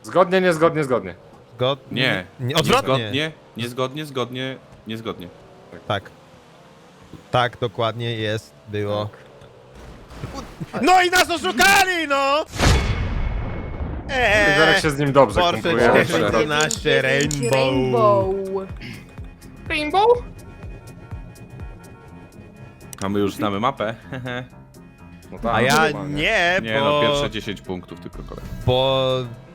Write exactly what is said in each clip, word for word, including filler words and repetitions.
Zgodnie, niezgodnie, zgodnie. Zgodnie. Nie. nie odwrotnie. Niezgodnie, niezgodnie, zgodnie, niezgodnie. Tak. Tak, dokładnie jest, było. No i nas oszukali, no! Eee, Zarek się z nim dobrze Porsche kumpluje. dziewięćdziesiąt Rainbow. Rainbow. Rainbow? A my już znamy mapę. No tak, A ja normalnie. nie, Nie bo... no, pierwsze dziesięć punktów tylko kolej. Bo...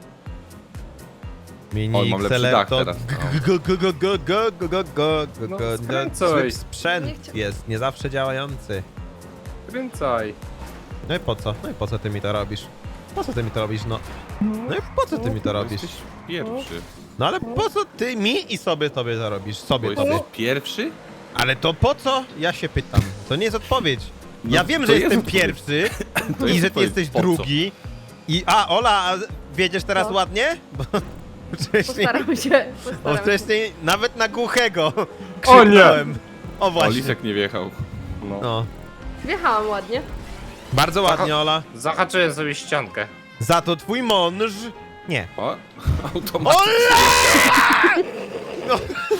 Mini Oj, mam lepszy X L R dach to teraz, no. go, go, go, go, go, go, go, go, go, No, go, skręcaj. zły Nie sprzęt chcia- jest, nie zawsze działający. Kręcaj. No i po co? No i po co ty mi to robisz? Po co ty mi to robisz, no? No i po co ty mi to robisz? Jesteś pierwszy. No ale po co ty mi i sobie tobie to robisz? Bo Sobie tobie. jesteś pierwszy? Ale to po co? Ja się pytam. To nie jest odpowiedź. No, Ja wiem, to że jest jestem odpowiedź. pierwszy To i jest że ty odpowiedź. jesteś Po co? drugi. I a, Ola, a wiedziesz teraz No. ładnie? Bo wcześniej, Postaram się. bo Postaram się. wcześniej nawet na głuchego O nie! krzyknąłem. O O, właśnie. Lisek nie wjechał. No. No. Wjechałam ładnie. Bardzo ładnie, Ola. Zahaczyłem sobie ściankę. Za to twój mąż... Nie. O, automatycznie. Ola! No.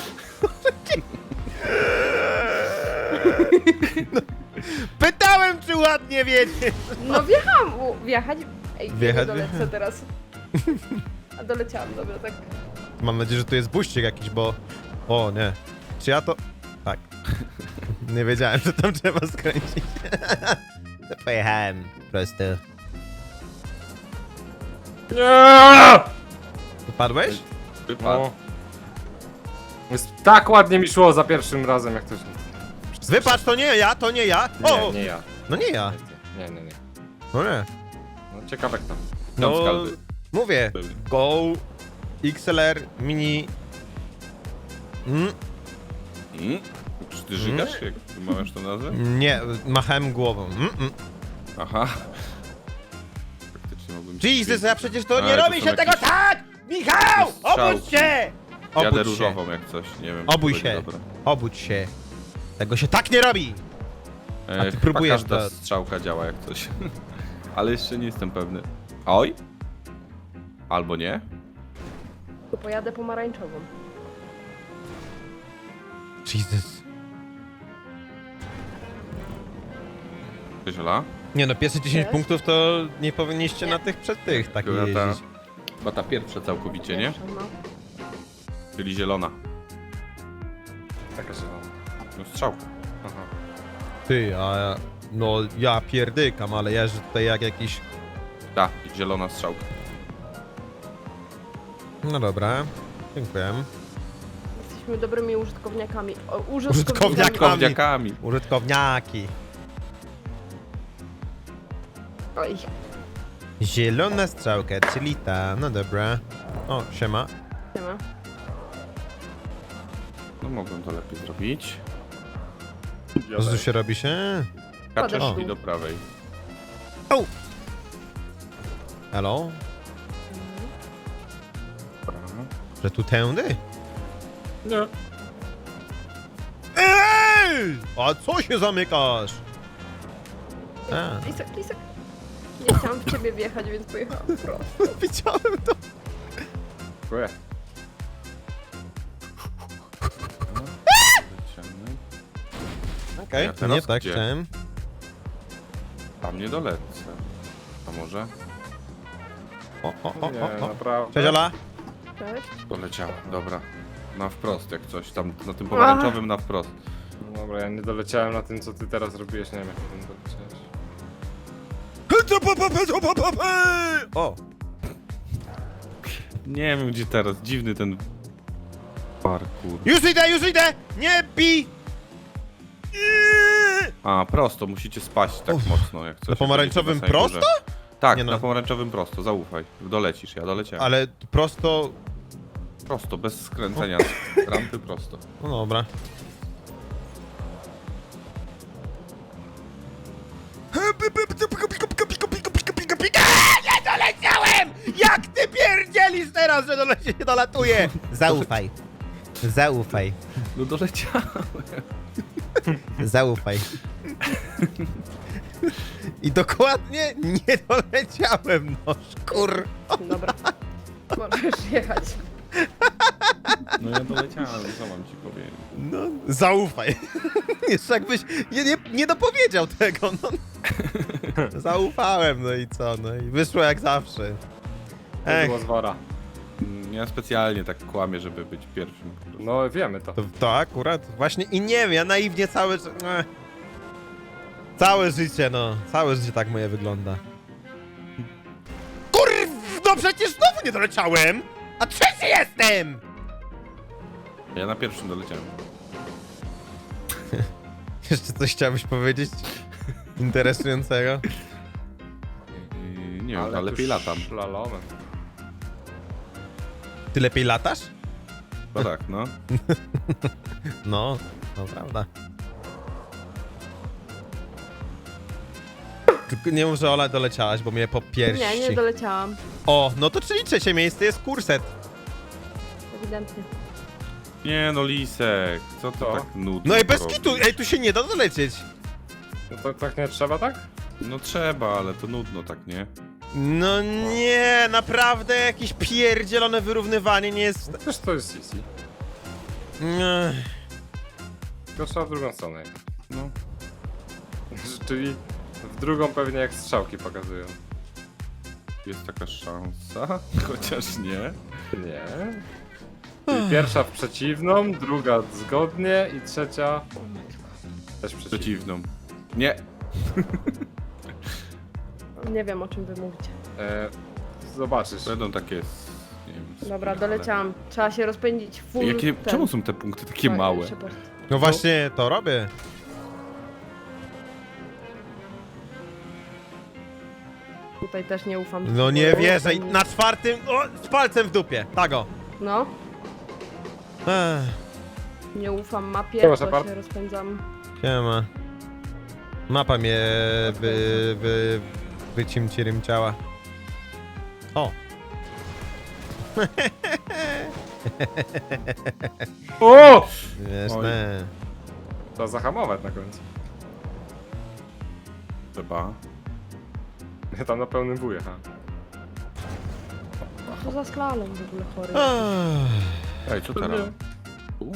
No. Pytałem, czy ładnie wiedzieć. No wjechałam. U, wjechać? Ej, Wjechać? nie dolecę teraz. A doleciałam, dobra, tak. Mam nadzieję, że tu jest buścik jakiś, bo... O, nie. Czy ja to... Tak. Nie wiedziałem, że tam trzeba skręcić. To pojechałem po prostu. Nie! Upadłeś? Wypadł. No. Jest tak ładnie mi szło za pierwszym razem, jak ktoś... Wypadł, to nie ja, to nie ja. O! Nie, nie ja. No nie ja. Nie, nie, nie. No nie. No ciekawe kto. Tam No, skaldy. mówię. Były. Go X L R Mini... Mm, Mm? Czy ty żygasz? Jak wymawiasz tą nazwę? nie, machałem głową. Mm, mm. Aha. Faktycznie mogłem ci Jesus, ja przecież to A, nie to robi są się tego jakieś- tak! Michał! strzałki. Obudź się! Jadę Obudź się. różową jak coś, nie wiem. czy Obudź będzie się. dobre. Obudź się. Tego się tak nie robi! E, A ty chyba próbujesz każda to- strzałka działa jak coś. Ale jeszcze nie jestem pewny. Oj? Albo nie? To pojadę pomarańczową. Jesus. Cześć Ola? Nie no, pierwsze dziesięć Cześć. punktów to nie powinniście Nie. na tych przed tych tak Chyba ta, jeździć. chyba ta pierwsza całkowicie, nie? Pierwsza, no. Czyli zielona. Taka się No strzałka. Aha. Ty, a ja... No ja pierdykam, ale jeżdżę tutaj jak jakiś... Ta, zielona strzałka. No dobra. Dziękuję. Jesteśmy dobrymi użytkowniakami. O, Użytkowniakami. użytkownikami. Kowniakami. Użytkowniaki. Oj, Zielona strzałka, czyli ta. No dobra. O, siema. nie ma. No mogłem to lepiej zrobić. Co tu się robi się? Kaczesz O. i do prawej. Hello? Że tu tędy? Nie. Ej! A co się zamykasz? A. Lisek, lisek. Nie chciałam w ciebie wjechać, więc pojechałam prosto. Widziałem to. Dziękuję. Leciamy. Okej, Ja to teraz nie tak gdzie? chciałem. Tam nie dolecę. A może? O, o, o, Nie, o, o. naprawdę. Cześć Ola. Cześć. Doleciała, dobra. Na wprost jak coś, tam na tym pomarańczowym na wprost. No dobra, ja nie doleciałem na tym, co ty teraz robiłeś, nie wiem jak ty tym doleciałeś. O, Nie wiem gdzie teraz, dziwny ten parkour. już idę, już idę! Nie bij! Iii! A, prosto, musicie spaść tak Uff. mocno jak coś. Na pomarańczowym jak będziecie na samej prosto? górze. Tak, Nie no. na pomarańczowym prosto, zaufaj. Dolecisz, ja doleciałem. Ale prosto... Prosto, bez skręcenia z rampy prosto. No dobra. Nie doleciałem! Jak ty pierdzielisz teraz, że dolecie nie dolatuje? Zaufaj. Zaufaj. No doleciałem. Zaufaj. I dokładnie nie doleciałem, no szkur. Dobra. Bo możesz jechać. No ja doleciałem, co mam ci powiedzieć. No, zaufaj. Jeszcze jakbyś nie, nie, nie dopowiedział tego, no. Zaufałem, no i co, no i wyszło jak zawsze. To Ech, było z wora. Mm, Ja specjalnie tak kłamię, żeby być pierwszym. po prostu. No wiemy to. to, to akurat właśnie i nie wiem, ja naiwnie całe... ży- eh. Całe życie, no. Całe życie tak moje wygląda. Kurw, no przecież znowu nie doleciałem! A trzeci jestem! Ja na pierwszym doleciałem. Jeszcze coś chciałbyś powiedzieć? Interesującego? Yy, nie wiem, ale lepiej tu latam. Szlalomem. Ty lepiej latasz? No tak, no. No, to prawda. Tylko nie mów, że Ola doleciałaś, bo mnie po piersi. Nie, nie doleciałam. O, no to czyli trzecie miejsce jest kurset. Ewidentnie. Nie no, Lisek, co to Co? tak nudno No i bez robisz? kitu, ej, tu się nie da dolecieć. No to tak nie trzeba, tak? No trzeba, ale to nudno tak, nie? No nie, naprawdę jakieś pierdzielone wyrównywanie nie jest... No też to jest easy. Nie. Tylko trzeba w drugą stronę jechać. No. Czyli w drugą pewnie jak strzałki pokazują. Jest taka szansa, chociaż nie. Nie. Czyli pierwsza w przeciwną, druga zgodnie i trzecia też przeciwną. Przeciwną. Nie. Nie wiem, o czym wy mówicie. E, zobaczysz. Będą takie... Nie wiem, Dobra, spirale. doleciałam. Trzeba się rozpędzić full. Jakie, ten. czemu są te punkty takie Fajny małe? Shepard. No właśnie, to robię. Tutaj też nie ufam. No nie wierzę, i na czwartym, o, z palcem w dupie, tak o. No, Ech, nie ufam mapie, Siema, to Shepard. się rozpędzam. siema. Mapa mnie wy, wy, wycimcirymciała. O. O! Jasne. Trzeba zahamować na końcu. Trzeba. Ja tam na pełnym wuję, ha. Co za slalom w ogóle chory. Ech. Ej, co teraz? U?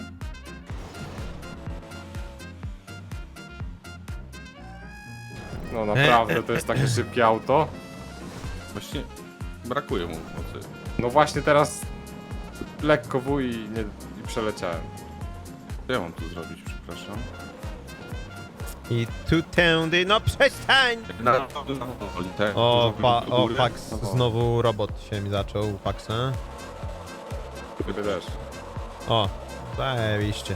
No naprawdę, to jest takie szybkie auto. Właśnie brakuje mu mocy. No właśnie teraz lekko wuj i, nie, i przeleciałem. Co ja mam tu zrobić, przepraszam? I tu tędy, no przestań! Na, na, te, O, do pa, góry. o, Pax, znowu robot się mi zaczął, Paxa. Gdyby też. O, zajebiście.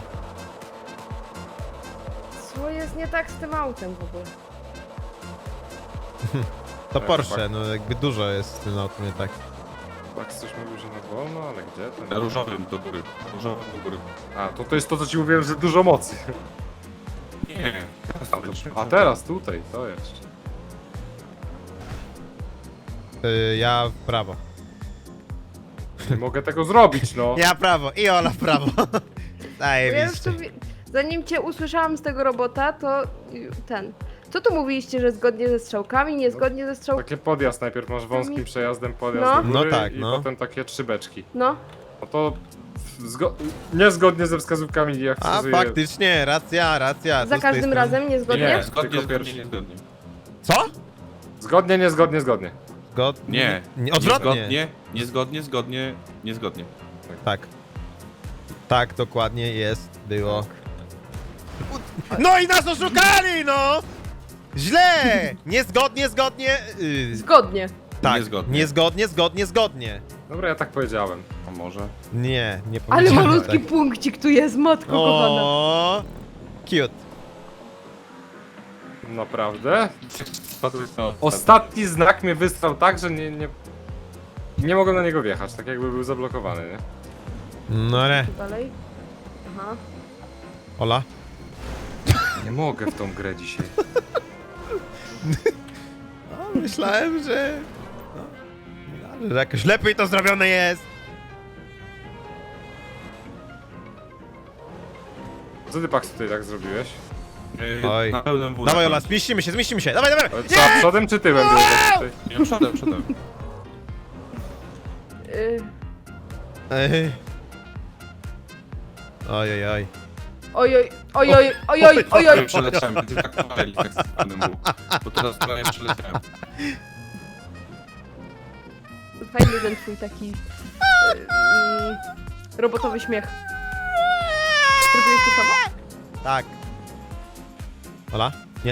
Co jest nie tak z tym autem w ogóle? To Tak, Porsche, tak. no jakby dużo jest w tym autem, nie tak. Tak, coś mówił, że na wolno, ale gdzie? Na Ten... różowym do góry. Na różowym do góry. A, to to jest to, co ci mówiłem, że dużo mocy. Nie. A teraz tutaj, to jeszcze. Y, ja w prawo. Nie mogę tego zrobić, no. Ja prawo i Ola w prawo. Ja już Zajebiście. tu, wi- zanim cię usłyszałam z tego robota, to y, ten. Co tu mówiliście, że zgodnie ze strzałkami, niezgodnie ze strzałkami? Taki podjazd najpierw masz wąskim przejazdem podjazd No. do góry No tak, i no. potem takie trzy beczki. No, No to zgo niezgodnie ze wskazówkami jak A wskazuje... faktycznie, racja, racja. tu za z tej każdym strony. razem niezgodnie? Nie, zgodnie, Tylko zgodnie, pierwszy. niezgodnie. Co? Zgodnie, niezgodnie, zgodnie. Zgod... Nie. nie odwrotnie. Niezgodnie, niezgodnie, zgodnie, niezgodnie. Tak. Tak, dokładnie jest, było. No i nas oszukali, no! Źle! Niezgodnie, zgodnie. Yy, Zgodnie. tak, Niezgodnie. niezgodnie, zgodnie, zgodnie. Dobra, ja tak powiedziałem. A może? Nie, nie Ale powiedziałem malutki tak. punkcik tu jest, matko kochana. O, cute. Naprawdę? No, Ostatni znak mnie wystrał tak, że nie, nie... Nie mogłem na niego wjechać, tak jakby był zablokowany, nie? No ale, Dalej. Aha. Ola. Nie mogę w tą grę dzisiaj. No, myślałem, że... No, że jakoś lepiej to zrobione jest. Co ty, Pax, tutaj tak zrobiłeś? Yy, Oj. Na pełnym wózku. Dawaj Ola, zmieścimy się, zmieścimy się. Dawaj, dawaj. Ale co, przodem czy tyłem byłeś tak tutaj? Nie, przodem, przodem. Y, Ej. Oj, oj, oj. Ojoj, ojoj, ojoj, ojoj. Przeleciałem, będzie tak powoli, tak z panem był. Bo teraz prawie przeleciałem. Fajny ten twój taki mm, robotowy śmiech. Zrobiłeś to samo? Tak. Ola? Nie.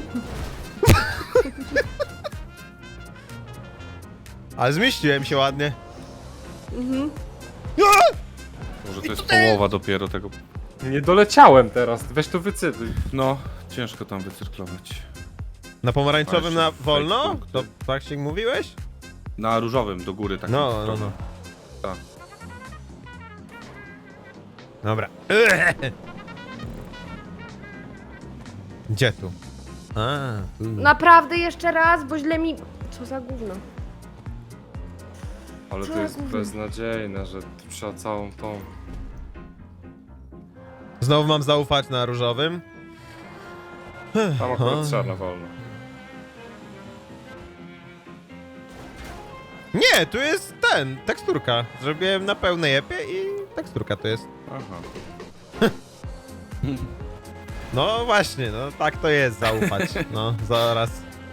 Ale zmieściłem się ładnie. Mhm. Może to jest połowa dopiero tego. Nie doleciałem teraz, weź to wycytuj. No, ciężko tam wycyrklować. Na pomarańczowym Ale na się wolno? fake punkty. To tak się mówiłeś? Na różowym do góry tak. No, no, no. Tak. Dobra. Gdzie tu? A, tu. Naprawdę jeszcze raz, bo źle mi... Co za gówno. Ale Co to jest gówno. beznadziejne, że trzeba całą tą... Znowu mam zaufać na różowym? Tam akurat trzeba na wolno. Nie, tu jest ten, teksturka. Zrobiłem na pełnej epie i teksturka to jest. Aha. No właśnie, no tak to jest zaufać. No, zaraz.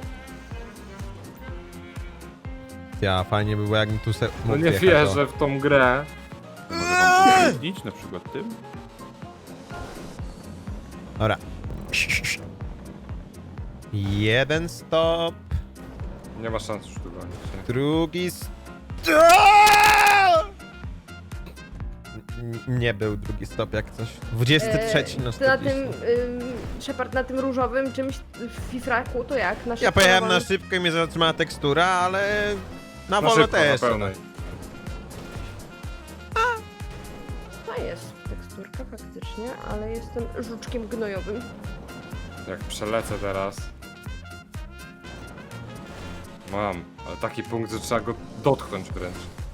Ja, fajnie by było jakbym tu se No mógł nie jechać, wierzę w tą grę. Może wam utrudnić na przykład tym? o. Dobra. Jeden stop, Nie ma szans już tu gonić. nie? drugi stop. N- Nie był drugi stop jak coś. dwudziesty trzeci na E, ty na tym, czterdzieści. ym, Shepard, na tym różowym czymś w fifraku, to jak? Na Ja pojechałem na szybko szybko i mnie zatrzymała tekstura, ale na Na wolno szybko, też. na pełnej. To jest teksturka faktycznie, ale jestem żuczkiem gnojowym. Jak przelecę teraz... Mam, ale taki punkt, że trzeba go dotknąć wręcz.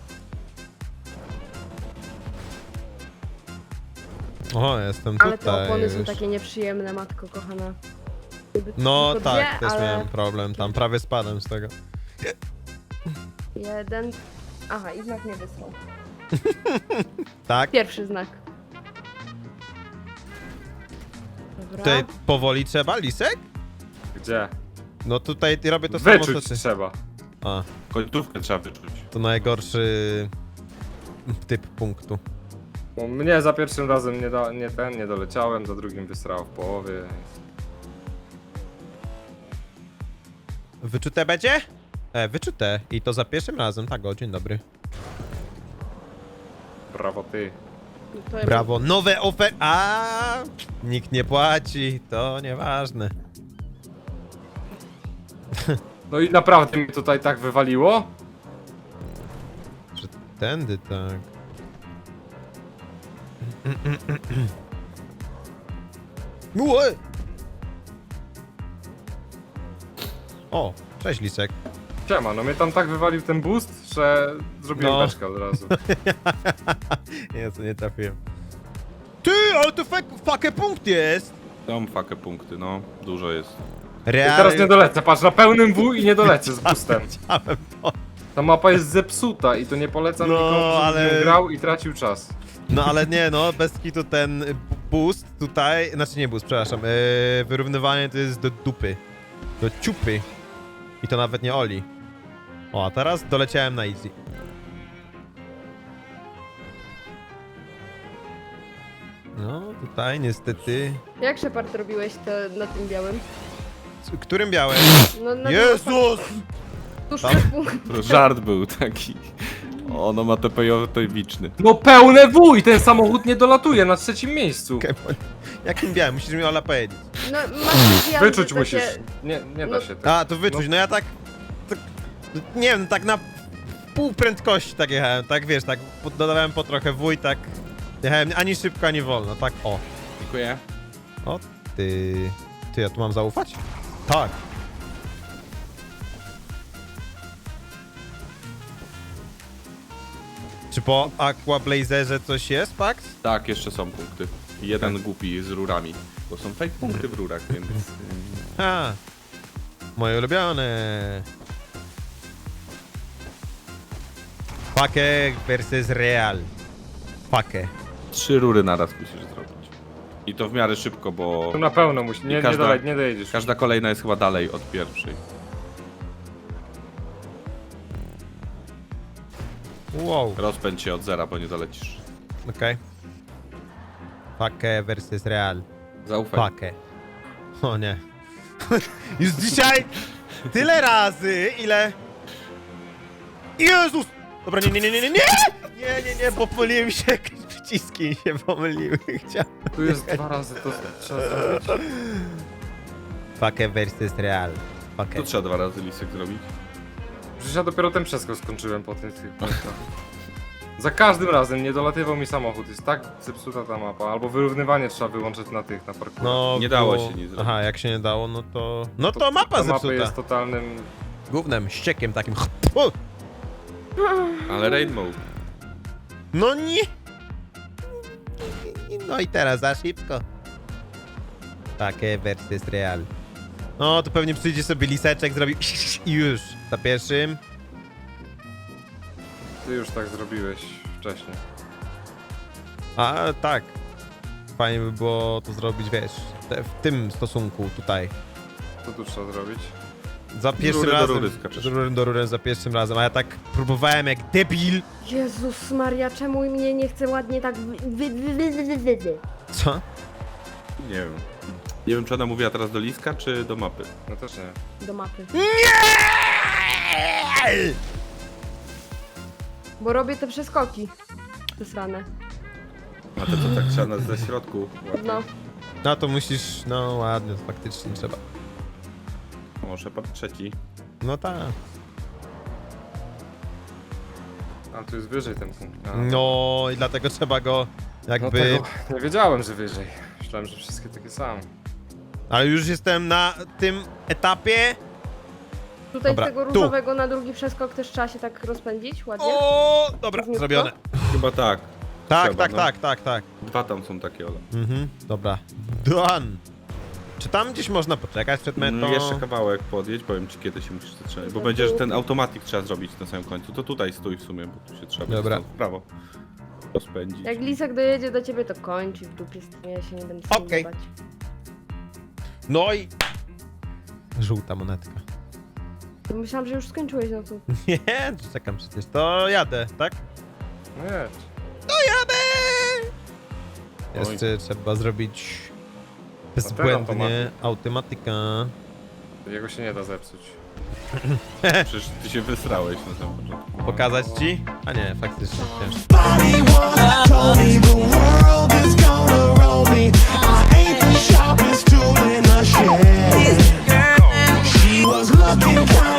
O, jestem Ale te tutaj opony są już. takie nieprzyjemne, matko kochana. Gdyby No tylko tak, dwie, też ale miałem problem, tam prawie spadłem z tego. jeden... Aha, i znak nie wysłał. Tak, Pierwszy znak. Dobra. tutaj powoli trzeba, lisek? Gdzie? No tutaj robię to samo co Wyczuć ty. trzeba. A, Końcówkę trzeba wyczuć. to najgorszy typ punktu. Bo mnie za pierwszym razem nie, da, nie ten, nie doleciałem, za drugim wysrało w połowie. Wyczute będzie? E, wyczute. I to za pierwszym razem, tak, o, dzień dobry. Brawo ty. To ja Brawo, nowe ofer... A, nikt nie płaci, to nieważne. No i naprawdę mnie tutaj tak wywaliło? Że tędy, tak. Ue! O, cześć lisek. Siema, no mnie tam tak wywalił ten boost, że zrobiłem No. beczkę od razu. Nie, to nie trafiłem. Ty, ale to fak, fakę punkt jest! Tam fakę punkty, no. Dużo jest. I Realnie. teraz nie dolecę, patrz, na pełnym W i nie dolecę z boostem. Chciałem to. Ta mapa jest zepsuta i to nie polecam No, nikomu, żeby ale- ale... grał i tracił czas. No ale nie, no, bez kitu ten b- boost tutaj, znaczy nie boost, przepraszam, yy, wyrównywanie to jest do dupy. Do ciupy. I to nawet nie Oli. O, a teraz doleciałem na easy. No, tutaj niestety... Jak Shepard robiłeś to na tym białym? Z którym białem? No, na Jezus! Tuż Tam? przed punktem. To żart był taki. Ono ma T P wiczny. No pełne W i ten samochód nie dolatuje na trzecim miejscu. Okej, bo- Jakim białem? Musisz mi Ola powiedzieć. No, masz zjazdy Wyczuć takie- musisz. Nie, nie da No- się tak. A, to wyczuć, no ja tak... tak nie wiem, tak na pół prędkości tak jechałem, tak wiesz, tak po- dodawałem po trochę W i tak... Jechałem ani szybko, ani wolno, tak o. Dziękuję. O ty... Ty, ja tu mam zaufać? Tak. Czy po Aqua Blazerze coś jest, Pax? Tak, jeszcze są punkty. I jeden głupi z rurami. Bo są fake punkty w rurach, więc... ym, Ha! Moje ulubione! Fake versus real. Fake. Trzy rury naraz musisz zrobić. I to w miarę szybko, bo Tu na pełno musi, nie, I każda- nie, dalej, nie dojedziesz. każda kolejna jest chyba dalej od pierwszej. Wow. Rozpędź się od zera, bo nie dolecisz. Okej. Fake versus real. Zaufaj. Fake. O nie. Już dzisiaj tyle razy, ile... Jezus! Dobra, nie, nie, nie, nie, nie, nie! Nie, nie, nie, bo pomyliłem się, jakieś przyciski się pomyliły, chciałem. Tu jest dwa razy, to trzeba zrobić. Fake versus real. Fake. To trzeba dwa razy lisek zrobić. Przecież ja dopiero ten przeskok skończyłem po tym tych punktach. Za każdym razem nie dolatywał mi samochód, jest tak zepsuta ta mapa. Albo wyrównywanie trzeba wyłączyć na tych, na parkurze. No, Nie dało było- się nic zrobić. Aha, jak się nie dało, no to... No to, mapa ta mapa zepsuta. jest totalnym... Gównem, ściekiem takim. U! Ale Rainbow. No nie! No i teraz za szybko. Takie versus real. No to pewnie przyjdzie sobie liseczek, zrobi i już. Za pierwszym. Ty już tak zrobiłeś wcześniej. A tak. Fajnie by było to zrobić, wiesz, te, w tym stosunku tutaj. Co tu trzeba zrobić? Za pierwszym rury do razem. rury skaczesz. Z rury do rury za pierwszym razem, a ja tak próbowałem jak debil. Jezus Maria, czemu mnie nie chce ładnie tak wy, wy, wy, wy, wy, wy, wy. Co? Nie wiem. Nie wiem, czy ona mówiła teraz do liska, czy do mapy. No też nie. Do mapy. Nie! Bo robię te przeskoki. Wysrane. A to co, tak trzeba na ze środku? No. No to musisz, no ładnie, to faktycznie trzeba. O, Shepard trzeci. No tak. A tu jest wyżej ten punkt. A, No i dlatego trzeba go no jakby... tego nie wiedziałem, że wyżej. Myślałem, że wszystkie takie same. Ale już jestem na tym etapie. Tutaj Dobra, z tego tu. różowego na drugi przeskok też trzeba się tak rozpędzić ładnie. O, dobra, Równiutko? zrobione. Chyba tak. Tak, Trzeba, tak, no. tak, tak, tak. Dwa tam są takie, Ola. Mhm, dobra. Done. Czy tam gdzieś można poczekać przed metą? Mm, jeszcze kawałek podjedź, powiem ci kiedy się musisz zatrzymać. Bo będzie, że ten automatik trzeba zrobić na samym końcu. To tutaj stój w sumie, bo tu się trzeba będzie Dobra. stąd w prawo rozpędzić. Jak Lisek dojedzie do ciebie, to kończy w dupie z tym, ja się nie będę z tym Okej. bać. No i... Żółta monetka. Myślałam, że już skończyłeś, no to... Nie, czekam przecież. To jadę, tak? No jedź. To jadę! Jeszcze trzeba zrobić bezbłędnie automatyka. Jego się nie da zepsuć. Przecież ty się wysrałeś na samym początku. Pokazać ci? A nie, faktycznie. Ciężko. Body once told me the world is gonna roll me. I ain't the sharpest tool in the shed. She was looking kind